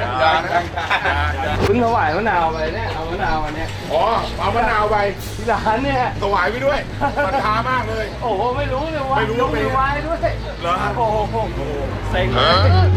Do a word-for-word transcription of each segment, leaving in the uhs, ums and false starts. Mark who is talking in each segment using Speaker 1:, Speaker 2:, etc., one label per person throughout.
Speaker 1: ยานะเพิ่งถวายมะนาวไปเนี่ยเอามะนาวมาเนี่ยอ๋อเอามะนาวไปที่ร้านเนี่ยถวายไปด้วยศรัทธามากเลยโอ้โหไม่รู้เลยว่าไม่รู้ว่าเป็นวายด้วยเหรอโอ้โหเซ็งเลย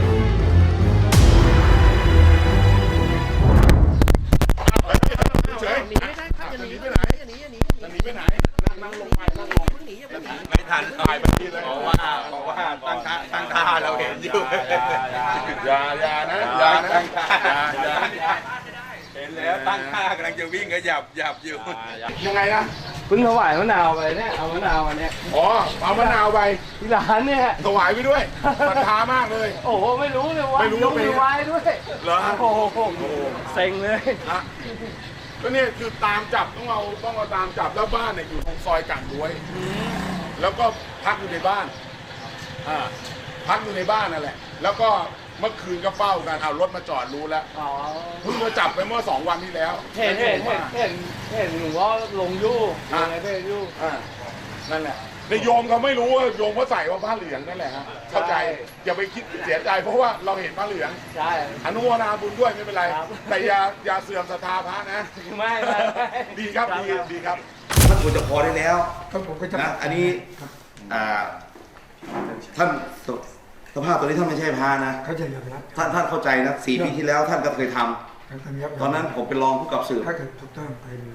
Speaker 1: เฉยหนีไม่ได้ครับจะหนีไปไหนจะหนีจะหนีจะหนีไปไหนนั่งลงไปนั่งลงหนีไม่ทันตายไปทีเลยเพราะว่าเพราะว่าตั้งท่าตั้งท่าเราเห็นอยู่อย่าอย่านะอย่าตั้งท่าเห็นแล้วตั้งท่ากำลังจะวิ่งก็หยับหยับอยู่ยังไงนะเพิ่งถวายมะนาวไปเนี่ยเอามะนาวมาเนี่ยอ๋อเอามะนาวไปที่ร้านเนี่ยถวายไปด้วยศรัทธามากเลยโอ้โหไม่รู้เลยว่าไม่รู้ว่าเป็นวายด้วยเหรอโอ้โหเซ็งเลยก็เนี่ยคือตามจับต้องเอาต้องเอาตามจับแล้วบ้านเนี่ยอยู่ตรงซอยกันด้วยแล้วก็พักอยู่ในบ้านอ่าพักอยู่ในบ้านนั่นแหละแล้วก็เมื่อคืนก็เฝ้ากันเอารถมาจอดรู้แล้วเพิ่งมาจับไปเมื่อสองวันที่แล้วเห็นเห็นเห็นเห็นเห็นหนูว่าลงยู่ลงอะไรไปยู่อ่านั่นแหละในโยมเขาไม่รู้ว่าโยมเขาใส่ว่าผ้าเหลืองนั่นแหละฮะเข้าใจอย่าไปคิดเสียใจเพราะว่าเราเห็นผ้าเหลืองใช่อนุโมทนาบุญด้วยไม่เป็นไรแต่อย่าอย่าเสื่อมศรัทธาพระนะไม่ไม่ดีครับดีดีครับ
Speaker 2: ท่านควรจะพอได้แล้วนะอันนี้ท่านสภาพตัวนี้ท่านไม่ใช่พระนะ
Speaker 3: เขาจะยอมรับ
Speaker 2: ท่านท่านเข้าใจนะสี่ปีที่แล้วท่านก็เคยทำตอนนั้นผมเป็นรองผู้กำกับสืบ
Speaker 3: ถ้าเกิดถูกต้องไปเลย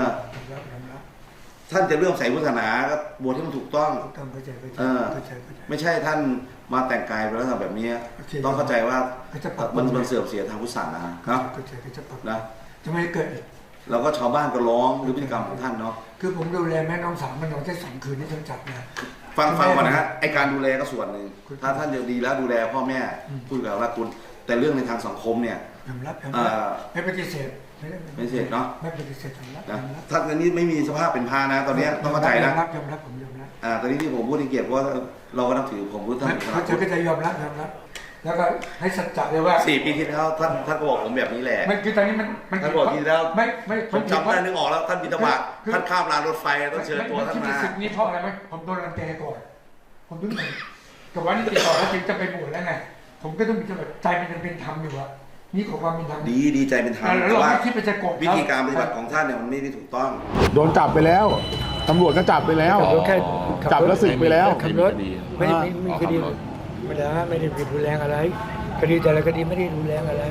Speaker 2: ท่านจะเรื่องใส่พุทธศาสนาก็บวชให้มันถูกต้องไม่ใช่ท่านมาแต่งกายเป็นลักษณะแบบนี้ต้องเข้าใจว่ามันมันเสื่อมเสียทางพุทธศาสนาครับนะ
Speaker 3: จะไม่เกิด
Speaker 2: แล้วก็ชาวบ้านก็ร้องหรือพฤติกรรมของท่านเนาะ
Speaker 3: คือผมดูแลแม่น้องสาวมันนอนแค่สองคืนที่ท่านจับนะ
Speaker 2: ฟังฟังก่อนนะฮะไอการดูแลก็ส่วนหนึ่งถ้าท่านจะดีแล้วดูแลพ่อแม่พูดกับว่าคุณแต่เรื่องในทางสังคมเนี่ย
Speaker 3: ยอมรับไม่ปฏิเสธ
Speaker 2: ไม่เสร็จเนาะ
Speaker 3: ไม่ปฏิเสธยอมรับ
Speaker 2: นะท่านนี้ไม่มีสภาพเป็นพานะตอนนี้ต้องเข้าใจนะ
Speaker 3: ยอมรับยอมรับผมยอมรับ
Speaker 2: อ่าตอนนี้ที่ผมพูดในเกียรติว่าเราก็นับถือผมพูดท่าน
Speaker 3: เขาจะก็จะยอมรับยอมรับแล้วก็ให้สัจจะเลยว่า
Speaker 2: สี่ปีที่แล้วท่านท่านก็บอกผมแบบนี้แหละ
Speaker 3: มันคือตอนนี้มันมัน
Speaker 2: ท่านบอกทีแล้ว
Speaker 3: ไม่ไม่
Speaker 2: ผมจำได้นึกออกแล้วท่านบิณฑบาตท่านข้ามรางรถไฟต้องเชิญตัวท่านมา
Speaker 3: สิ่งนี้เพราะอะไรไหมผมโดนรังแกก่อนผมต้องกับวันนี้ติดต่อแล้วถึงจะไปบวชแล้วไงผมก็ต้องมีจังหวะใจมันยังเป็นธรรมอยู่อะนี่ขอความเป็นธรรม
Speaker 2: ดีดีใจเป็นธรรม
Speaker 3: แต่ว่า
Speaker 2: วิธีการปฏิบัติของท่านเนี่ยมันไม่ได้ถูกต้อง
Speaker 4: โดนจับไปแล้วตำรวจก็จับไปแล้วจับแล้วสึกไปแล้ว
Speaker 3: ขับรถไม่ได้มีคดีไม่ได้ไม่ได้ผิดรุนแรงอะไรคดีแต่ละคดีไม่ได้รุนแรงอะไร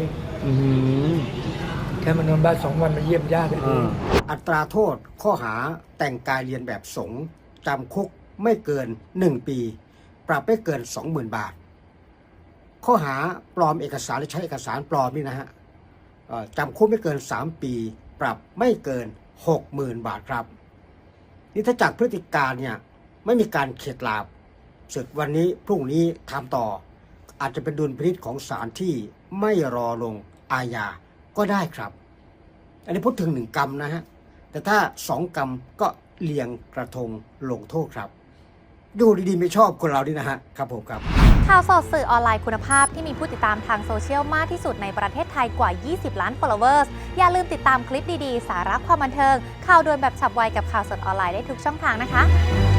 Speaker 3: แค่มันนอนบ้านสองวันมาเยี่ยมญาติ
Speaker 5: อัตราโทษข้อหาแต่งกายเรียนแบบสงฆ์จำคุกไม่เกินหนึ่งปีปรับไม่เกิน สองหมื่น บาทข้อหาปลอมเอกสารหรือใช้เอกสารปลอมนี่นะฮะจำคุกไม่เกินสามปีปรับไม่เกิน หกหมื่น บาทครับนี่ถ้าจากพฤติการเนี่ยไม่มีการเข็ดหลาบศึกวันนี้พรุ่งนี้ทำต่ออาจจะเป็นดุลพินิจของศาลที่ไม่รอลงอาญาก็ได้ครับอันนี้พูดถึงหนึ่งกรรมนะฮะแต่ถ้าสองกรรมก็เลียงกระทงลงโทษครับดูดีๆไม่ชอบคนเราดินะฮะครับผมครับ
Speaker 6: ข่าวสดสื่อออนไลน์คุณภาพที่มีผู้ติดตามทางโซเชียลมากที่สุดในประเทศไทยกว่ายี่สิบล้าน followers อย่าลืมติดตามคลิปดีๆสาระความบันเทิงข่าวด่วนแบบฉับไวกับข่าวสดออนไลน์ได้ทุกช่องทางนะคะ